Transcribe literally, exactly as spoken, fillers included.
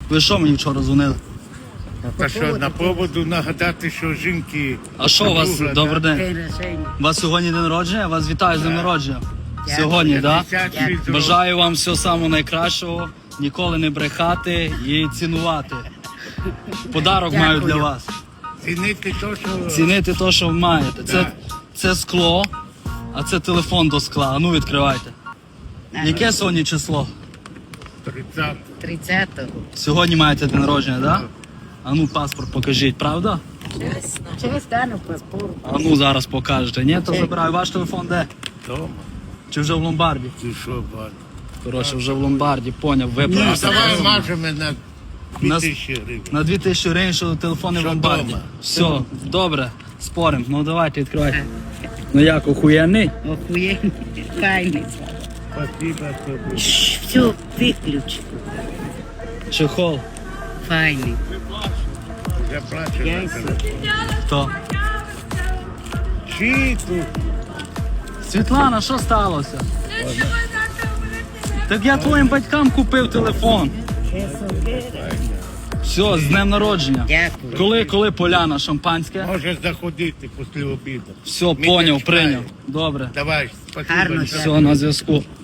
Ви що мені вчора дзвонили? Та що, на поводу нагадати, що жінки... А що у вас? Друга, Добрий да? день. У вас сьогодні день народження? Вас вітаю з днем народження. Сьогодні, так? п'ятдесят шість років. Бажаю вам всього самого найкращого, ніколи не брехати і цінувати. Подарок маю для вас. Цінити то, що... Цінити те, що ви маєте. Це, це скло, а це телефон до скла. А ну відкривайте. Яке сьогодні число? тридцять. тридцятого. Сьогодні маєте день народження, так? Да? А ну паспорт покажіть, правда? Через стану паспорт. А ну зараз покажете. Ні, то забираю. Ваш телефон де? Дома. Чи вже в ломбарді? Ти що, бать? Коротше, вже в ломбарді, поняв, Ну, виправився. давай мажемо на дві Нас- тисячі гривень. На дві тисячі гривень, що телефони в Що ломбарді. дома? Все, добре, спорим. Ну давайте відкривайте. Ну як, охуєнний? Охуєнний. Файний. Спасибо тобі. Все, виключи. Чехол. Файний. Я плачу. Я на й тебе. Хто? Чи тут? Світлана, що сталося? Так я твоїм батькам купив телефон. Все, з днем народження. Дякую. Коли, коли поляна, шампанське? Можеш заходити після обіду. Все, Ми поняв, не чекаємо. прийняв. Добре. Давай, спасибо. Гарно, що- Все, на зв'язку.